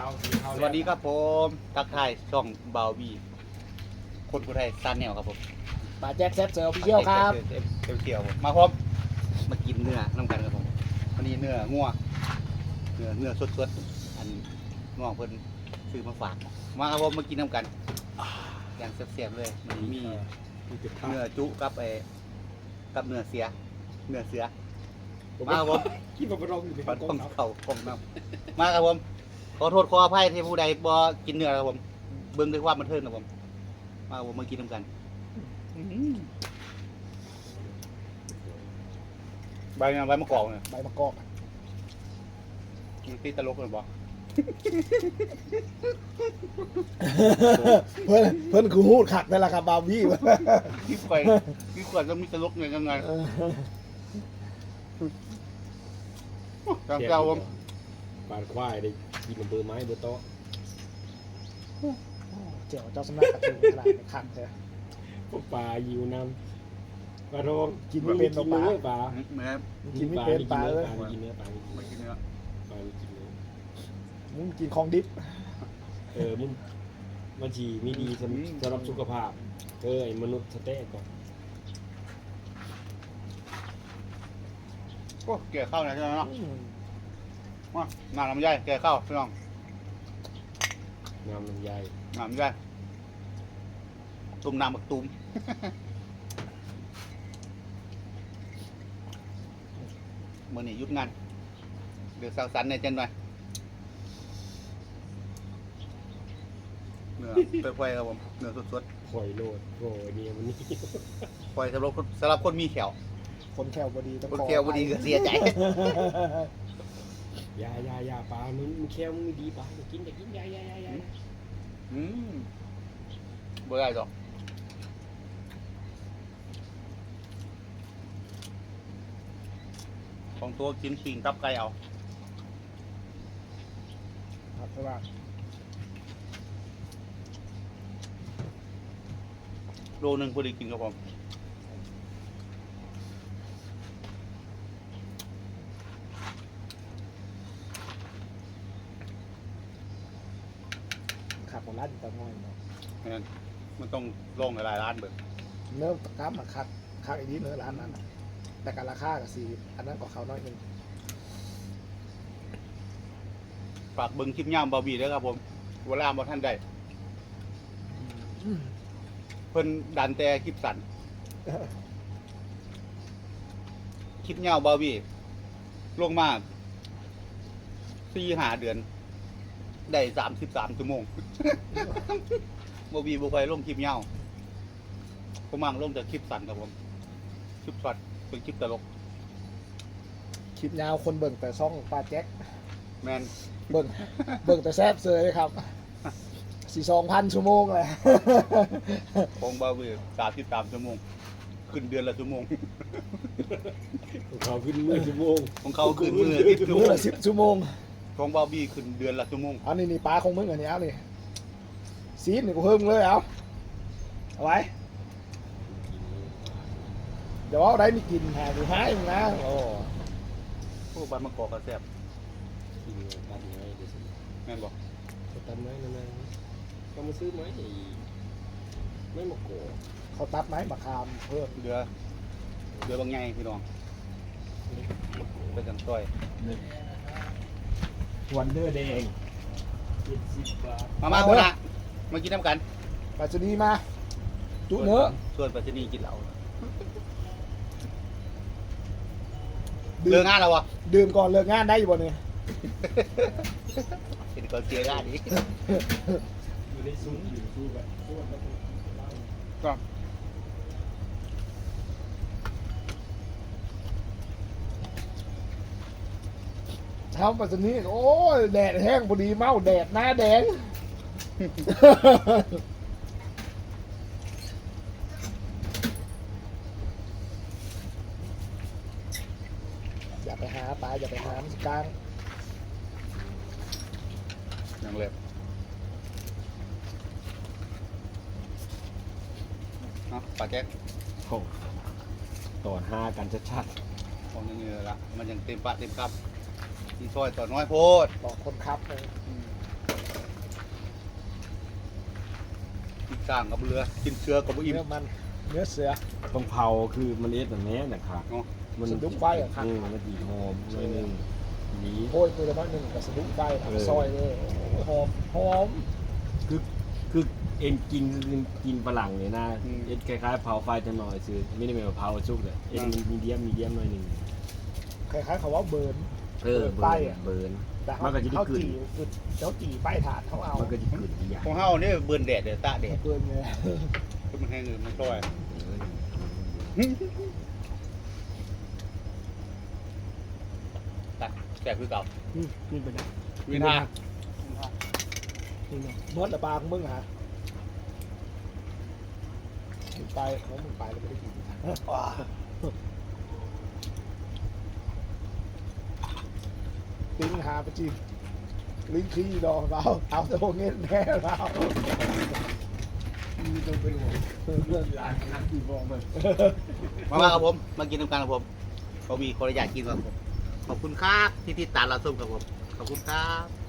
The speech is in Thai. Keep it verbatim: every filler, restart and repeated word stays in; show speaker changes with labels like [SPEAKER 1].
[SPEAKER 1] สวัสดีครับผมทักทายช่องบาวบีคนผู้ไทยซันแนวครับผม
[SPEAKER 2] ปลาแจ็คแซ่บเซอร์พี่เชี่ยวครับ
[SPEAKER 1] เที่ยวเที่ยวมาพร้อมมากินเนื้อน้ำกันครับผมวันนี้เนื้องัวเนื้อเนื้อสดๆอันน้องเพิ่นซื้อมาฝากมาครับผมมากินน้ำกันอย่างแซ่บๆเลยมันมีเนื้อจุกับไอ้กับเนื้อเสียเนื้อเสือมาครับผม
[SPEAKER 3] ที่มาร้องอยู่ใน
[SPEAKER 1] ปัด
[SPEAKER 3] ก
[SPEAKER 1] ข
[SPEAKER 3] อ
[SPEAKER 1] อง
[SPEAKER 3] ง
[SPEAKER 1] เขาของน้ำมาครับผมขอโทษขออภัยที่ผู้ใดบ่กินเนื้อครับผมเบิ่งด้วยความบันเทิงครับผมมาครับผมมากินน้ำกันใบงานใบมะกอกเนี่ย
[SPEAKER 2] ใบมะกอก
[SPEAKER 1] มันตีตลกเลยบ่
[SPEAKER 2] เพื่อนเพื่อนคือหูดขักนั่นแหละครับบาร์บี้
[SPEAKER 1] พี่ข่อยพี่ข่อยต้องมีตลกเนี่ยยังไงจังเจ้าผม
[SPEAKER 3] ปานควายได้กินเบอร์ไม้เบอร์โต๊ะ
[SPEAKER 2] เจ้าเจ้าสำนักกระถิ่นขนาดในขันเลย
[SPEAKER 3] พวกปลายิวนำปลาโรง
[SPEAKER 2] กินไม่เป็นหรอกปลา
[SPEAKER 3] ปลา
[SPEAKER 1] เหมือน
[SPEAKER 2] กินไม่เป็นปลาเลย
[SPEAKER 3] ปลากินเนื้อปลา
[SPEAKER 1] ไม่กินเนื้อ
[SPEAKER 3] ปลากินเนื้อ
[SPEAKER 2] มึงกินของดิบ
[SPEAKER 3] เออมึงมันจีไม่ดีสำหรับสุขภาพเออไอ้มนุษย์สเต๊กก่อน
[SPEAKER 1] โอ้แก่ข้าวนะใช่ไหมเนาะมาหน้าลำไยแก่ข้าวพี่น้อง
[SPEAKER 3] น้ำลำไย
[SPEAKER 1] หน้าลำไยตุ่มน้ำบักตุ่มมื่อนี้หยุดงานเดี๋ยวสาวสันเนี่ยจันหน่อยเนื้อเปื่อยๆครับผมเนื้อสด
[SPEAKER 3] ข่อยโลดโอ้ยเนี่ยมันนี่
[SPEAKER 1] ๆปล่อยสำหรับคนสำหรับคนมีแขว
[SPEAKER 2] คนแควบดีต้อง
[SPEAKER 1] คน
[SPEAKER 2] ขอ
[SPEAKER 1] แขวบ่ดีก็เสียใจ
[SPEAKER 3] ยายายาปลามึงมึงแค่มึงไม่ดีปลาจะกินจะกินยายายายา
[SPEAKER 1] อืมบ่ได้ดอกของตัวกินปิงตับไก่เอา
[SPEAKER 2] ครับเพราะว่า
[SPEAKER 1] โลนึงพอดีกินครับผม
[SPEAKER 2] ขับของร้านตะง่อยเนาะ
[SPEAKER 1] งั้นมันต้องลงหลายๆร้านเบิด
[SPEAKER 2] เนื้อตะกร้ามาคักคักอีกนิดเนื้อร้านนั้นน่ะแต่การราคากับสีอันนั้นก็เขาน้อยหนึง
[SPEAKER 1] ฝากเบิ่งคลิปย่ามบาร์บี้ด้วยครับผมเวลาบ่ท่านได้เพิ่นดันแต่คลิปสั้นคลิปยาวบาร์บี้ลงมาสี่ห้าเดือน ได้สามสิบสามชั่วโมง บาร์บี้บ่ค่อยลงคลิปยาวผมมังลงแต่คลิปสั้นครับผมคลิปสั้นเป็นคลิปตลก
[SPEAKER 2] คลิปยาวคนเบิ่งแต่ซ่องปลาแจ็ค
[SPEAKER 1] แมน
[SPEAKER 2] เบิ่งเบิ่งแต่แซ่บเซยเลยครับสี่สองพันชั่วโมงเลย
[SPEAKER 1] ของบาร์บี้สามสิบสามชั่วโมง ขึ้นเดือนละชั่วโมง
[SPEAKER 3] เขาขึ้นมือชั่วโมง
[SPEAKER 1] ของเขาขึ้นมือละสิบชั่วโม
[SPEAKER 2] มื้อง ละสิบชั่วโมง
[SPEAKER 1] ของบาร์บี้ขึ้นเดือนละชั่วโมง
[SPEAKER 2] เอานี่นี่ปลาของมึงอันนี้เอานี่ซีนนี่กูเพิ่มเลยเอาเอาไว้เดี๋ยวเอาได้มีกินหาดูให้มึงนะโอ้
[SPEAKER 1] พวกบ้านมะกอกกระแซบ
[SPEAKER 3] กินตัดไม้เดี๋ยวสิ
[SPEAKER 1] แม่นบอก
[SPEAKER 3] ตัดไม้นั่นนะเขามาซื้อไม้ไอ้ไม่มาโก
[SPEAKER 2] เขาตัดไม้มะขามเพิ่ม
[SPEAKER 1] เดือเดือบางไงพี่น้องไปกันต้อย
[SPEAKER 3] วันเดอร์แดงเจ็ดสิบบาท
[SPEAKER 1] มามาคนละมากินน้ำกัน
[SPEAKER 2] ปัจจุบันมาจุเนื้อ
[SPEAKER 1] ส่วนปัจจุบันกินเหล้า
[SPEAKER 2] ดื่
[SPEAKER 1] เลิ
[SPEAKER 2] ม
[SPEAKER 1] กงานแล้ววะ
[SPEAKER 2] ดื่มก่อนเลิกงานได้อยู่บ่เนี่ย
[SPEAKER 1] เห็นก่อนเสียงานนี้
[SPEAKER 3] อยู่ในซุ้มอยู่ซุ้มแบบซุ้มแบบ
[SPEAKER 1] ก็
[SPEAKER 2] เช้าปัจจุบันโอ้ยแดดแห้งพอดีเมาแดดหน้าแดง อย่าไปหาปลาอย่าไปหามันกลาง
[SPEAKER 1] ยังเล็บเนาะปลาแจ๊ก
[SPEAKER 3] โอ้ต่อห้ากันชัด
[SPEAKER 1] ของยังเงือละมันยังเต็มปากเต็มคำที่ซอยต่อน้อยโพด
[SPEAKER 2] บอกคนขับเลย
[SPEAKER 1] อืมสร้างกับเรือกินเสือกับอิ่ม
[SPEAKER 2] เนื้อมันเนื้อเสือ
[SPEAKER 3] ต้องเผาคือมันเอ็ดแบบนี้นะครับ
[SPEAKER 1] เนาะ
[SPEAKER 3] มัน
[SPEAKER 2] สะดุ้งไฟอะครับ
[SPEAKER 3] อืมมันดีหอมหน่อยหนึงนี้
[SPEAKER 2] โอ้ยตัวละน้อยหนึ่งกับสะดุ้งไฟ
[SPEAKER 3] เออ
[SPEAKER 2] ซอยเลยหอมหอม
[SPEAKER 3] คือคือเอ็นกินคือกินฝรั่งเนี่ยนะเอ็นคล้ายๆเผาไฟจะหน่อยซื้อไม่ได้เป็นเผาซุกเลยเอ็นมันมีเดียมมีเดียมหน่อยหนึง
[SPEAKER 2] คล้ายๆเขาว่าเบิร์น
[SPEAKER 3] เออ
[SPEAKER 2] ไฟ
[SPEAKER 3] เบิร์น
[SPEAKER 2] อะ
[SPEAKER 3] เบิร์น
[SPEAKER 2] แต่
[SPEAKER 3] มันก็จะได้
[SPEAKER 2] เขา
[SPEAKER 3] กลิ่น
[SPEAKER 2] จีคือเขาจีไฟถาดเขาเอา
[SPEAKER 3] มันก็จะขึ้นอีกอย่าง
[SPEAKER 1] ของเฮานี่เบิ่นแดดเด้อตะแดด
[SPEAKER 2] เบิร์นเลย
[SPEAKER 1] คือมันแห้งมันซอยตัดแซ่บคือเก่า
[SPEAKER 3] อืมนี่เป็นไง
[SPEAKER 1] วินา
[SPEAKER 3] นี่เนาะ
[SPEAKER 2] เมื่อละปลาของมึงฮะมึงไปเขามึงไปแล้วไม่ได้กินว้าติ้งหาไปจีลิงขี้ดอกเราเอาตัวเงี้ยแน่เรา
[SPEAKER 3] มีต้องเป็นห่วงเรื่องร้านนักดีบอลมัน
[SPEAKER 1] มามาครับผมมากินน้ำกันครับผมเขามีคนอยากกินครับผมขอบคุณครับที่ติดตามเราชมครับผมขอบคุณครับ